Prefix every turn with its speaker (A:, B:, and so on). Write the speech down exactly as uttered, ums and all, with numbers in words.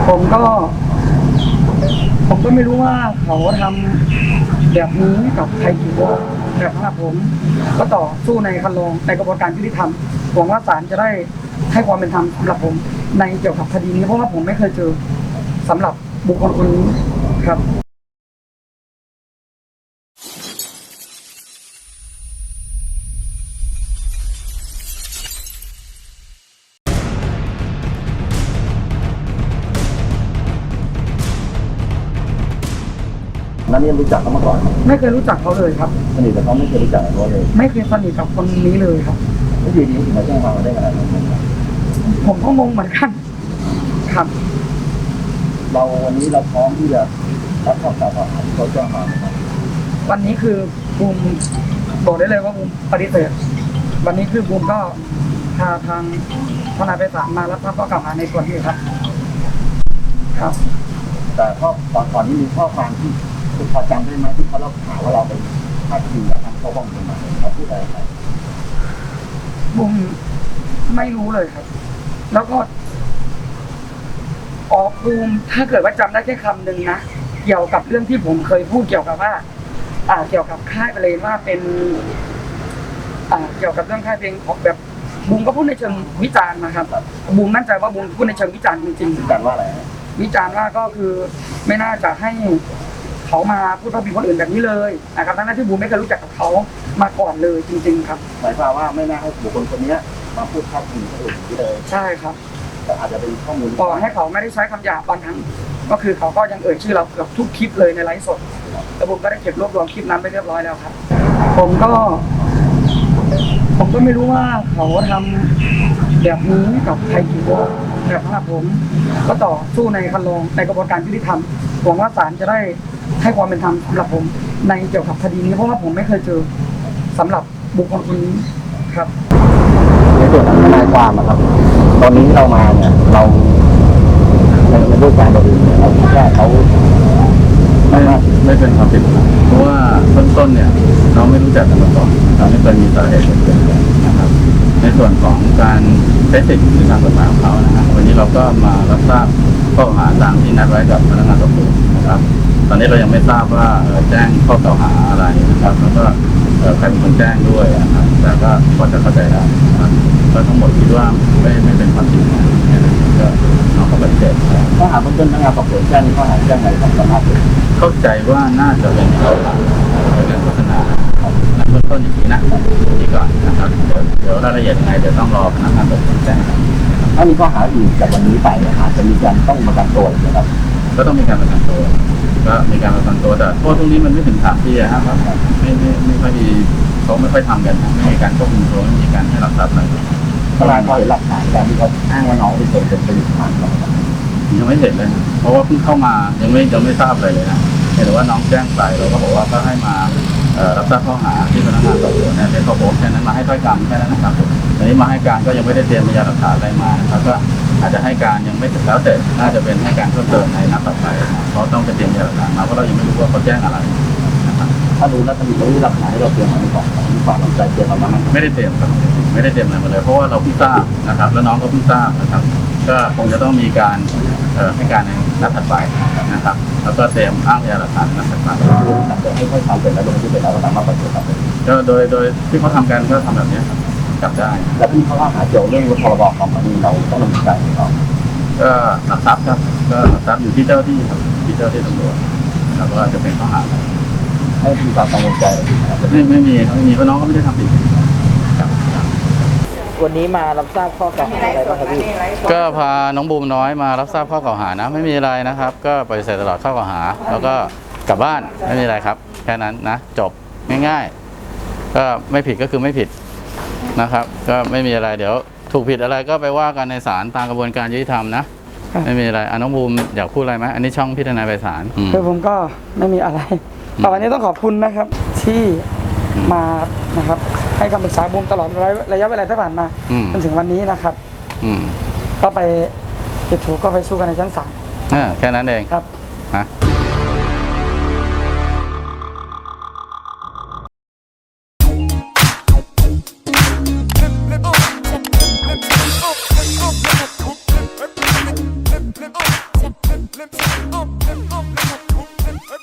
A: ผมก็ผมก็ไม่รู้ว่าเขาทำแบบนี้กับใครกี่คนแต่สำหรับผมก็ต่อสู้ในคันลองในกระบวนการยุติธรรมหวังว่าศาลจะได้ให้ความเป็นธรรมสำหรับผมในเกี่ยวกับคดีนี้เพราะว่าผมไม่เคยเจอสำหรับบุคคลคนนี้ครับ
B: นั่นนี่รู้จักเขามาก่อน
A: ไม่เคยรู้จักเขาเลยครับ
B: สนิทกับเขาไม่เคยรู้จักเขาเลย
A: ไม่เคยสนิทกับคนนี้เลยครับ
B: แล้วอยู่ดีถึงมาแจ้งความได้ขนาดนั้น
A: ผมก็งงเหมือนกันครับ
B: เราวันนี้เราพร้อมที่จะรับข้อกล่าวหาที่เขาแจ้งมา
A: วันนี้คือบูมบอกได้เลยว่าบูมปฏิเสธวันนี้คือบูมก็พาทางทนายไพศาลมารับทราบข้อกล่าวหาในส่วนนี้ครับครับ
B: แต่ข้อตอนก่อนนี้มีข้อความที่คุณพอจำได้ไหมที่เขาเล่าข่าวว่าเราไปพาดพิงและทำเขาบ้องกันมาเขาพูดอะไรไป
A: บูมไม่รู้เลยครับแล้วก็ออกบูมถ้าเกิดว่าจำได้แค่คำหนึ่งนะเกี่ยวกับเรื่องที่ผมเคยพูดเกี่ยวกับว่าอ่าเกี่ยวกับค่ายเพลงว่าเป็นอ่าเกี่ยวกับเรื่องค่ายเพลงของแบบบูมก็พูดในเชิงวิจารณ์นะครับบูมมั่นใจว่าบูมพูดในเชิงวิจารณ์จริงๆ
B: วิจารณ์ว่าอะไร
A: วิจารณ์ว่าก็คือไม่น่าจะให้เขามาพูดพาดพิงคนอื่นแบบนี้เลยนะครับทั้งที่บูมไม่เคยรู้จักกับเขามาก่อนเลยจริงๆครับ
B: หมายความว่าไม่น่าให้บุคคลคนนี้มาพูดพาดพิงคนอื่นที่เลย
A: ใช่ครับ
B: แต่อาจจะเป็นข้อมูล
A: ต่อให้เขาไม่ได้ใช้คำหยาบบางครั้งก็คือเขาก็ยังเอ่ยชื่อเราเกือบทุกคลิปเลยในไลฟ์สดแล้วผมก็ได้เก็บรวบรวมคลิปนั้นไปเรียบร้อยแล้วครับผมก็ผมก็ไม่รู้ว่าเขาทำแบบนี้กับใครกี่คนแต่สำหรับผมก็ต่อสู้ในคันลองในกระบวนการยุติธรรมหวังว่าศาลจะได้ให้ความเป็นธรรมสำหรับผมในเกี่ยวกับคดีนี้เพราะว่าผมไม่เคยเจอสำหรับบุคคลคนนี้ครับ
B: ในส่วนของทนายความครับตอนนี้เรามาเนี่ยเราในรูปการบริเนี่ยเราคิดว่าเขา
C: ไม่ไม่เป็นความผิดเพราะว่าต้นต้นเนี่ยเราไม่รู้จักกันมาก่อนเราไม่เคยมีสาเหตุเกิดขึ้นนะครับในส่วนของการใช้สิทธิ์ในทางกฎหมายของเขานะครับวันนี้เราก็มารับทราบข้อกล่าวหาตามที่นัดไว้กับพนักงานสอบสวนนะครับตอนนี้เรายังไม่ทราบว่าแจ้งข้อกล่าวหาอะไรนะครับแล้วก็ใครเป็นคนแจ้งด้วยนะครับแต่ก็พอจะเข้าใจได้นะครับก็ทั้งหมดคิดว่าไม่ไม่เป็นความจริงนะก็น้องเขาปฏิเสธ
B: ข้อหาเบื้องต้นพนักงานสอบสวนแจ้งข้อหาแจ้งอะไรของสำนัก
C: เข้าใจว่าน่าจะเป็นข้อหาเรื่องโฆษณาเบื้องต้นอย่างนี้นะนี่ก่อนนะครับเดี๋ยวรายละเอียดยังไงเดี๋ยวต้องรอพนักงานสอบสวนแจ้ง
B: ถ้ามีข้อหาอื่นจากวันนี้ไปอาจจะมีการต้องประกันตัวนะครับ
C: ก็ต้องมีการประกันตัวก็มีการประกันตัวแต่โทษตรงนี้มันไม่ถึงสามปีนะครับไม่ไม่ไม่ค่อยมีเขาไม่ค่อยทำกันไม่มีการควบคุมตัวไม่มีการให้หลักทรัพย์อะไร
B: ทนายพอเห็นหลักฐานการที่เขาอ้างว่าน้องเป็นคนเป็นเป็นทาง
C: ยังไม่เห็นเลยเพราะว่าเพิ่งเข้ามายังไม่ยังไม่ทราบอะไรเลยนะเห็นว่าน้องแจ้งไปเราก็บอกว่าก็ให้มารับทราบข้อหาที่พนักงานสอบสวนเนี่ยเป็นข้อโพสแค่นั้นมาให้ถ้อยคำแค่นั้นนะครับตอนนี้มาให้การก็ยังไม่ได้เตรียมพยานหลักฐานอะไรมานะครับก็อาจจะให้การยังไม่ถึงแล้วแต่น่าจะเป็นให้การเพิ่มเติมในนัดต่อไปเพราะต้องไปเตรียมพยานหลักฐานมาเพราะเรายังไม่รู้ว่าเขาแจ้งอะไรนะครับ
B: ถ้าดูแล้วจะมีหลักฐานที่เราเตรียมมาในกล่องมีความตั้งใจเตรียมมาบ้าง
C: ไม่ได้เตรียมครับไม่ได้เตรียมอะไรมาเลยเพราะว่าเราเพิ่งทราบนะครับแล้วน้องก็เพิ่งทราบนะครับก็คงจะต้องมีการให้การในนัดถัดไปนะครับแล้วก็เตรียมอ้างพยานหลักฐานนัดถัดไป
B: หลังจากให้ค่อยทำเป็นแล้วลงที่เป็นแล้วสามารถปฏิบัติ
C: ก็โดยโดยที่เขาทำกันก็ทำแบบนี้ครับจับได้
B: แล้วที่เขาว่าหาเกี่ยวเรื่องพรบคอมพานีเราต้องดำเนินการยังไง
C: ก็หลักทรัพย์ครับก็หลักทรัพย์อยู่ที่เจ้าที่ครับที่เจ้าที่ตำรวจแล้วก็จะเป็นข้อหา
B: ให้มีความกังวลใจ
C: ไม่ไม่มีไม่มีเพราะน้องก็ไม่ได้ทำผิด
A: วันนี้มารับทราบข้อกล่าวหาอะไรบ้างครับพี่
C: ก็พาน้องบูมน้อยมารับทราบข้อกล่าวหานะไม่มีอะไรนะครับก็ปฏิเสธตลอดข้อกล่าวหาแล้วก็กลับบ้านไม่มีอะไรครับแค่นั้นนะจบง่ายๆก็ไม่ผิดก็คือไม่ผิดนะครับก็ไม่มีอะไรเดี๋ยวถูกผิดอะไรก็ไปว่ากันในศาลตามกระบวนการยุติธรรมนะไม่มีอะไรน้องบูมอยากพูดอะไรไหมอันนี้ช่องพี่ทนายไพศาล
A: คือผมก็ไม่มีอะไรแต่วันนี้ต้องขอบคุณนะครับที่มานะครับให้คำปรึกษาบูมตลอดระยะเวลาที่ผ่านมาจนถึงวันนี้นะครับก็ไปติดถูกก็ไปสู้กันในชั้นศาล
C: แค่นั้นเอง
A: ครับ
C: นะ
D: limp, um, limp, um, limp, um, limp,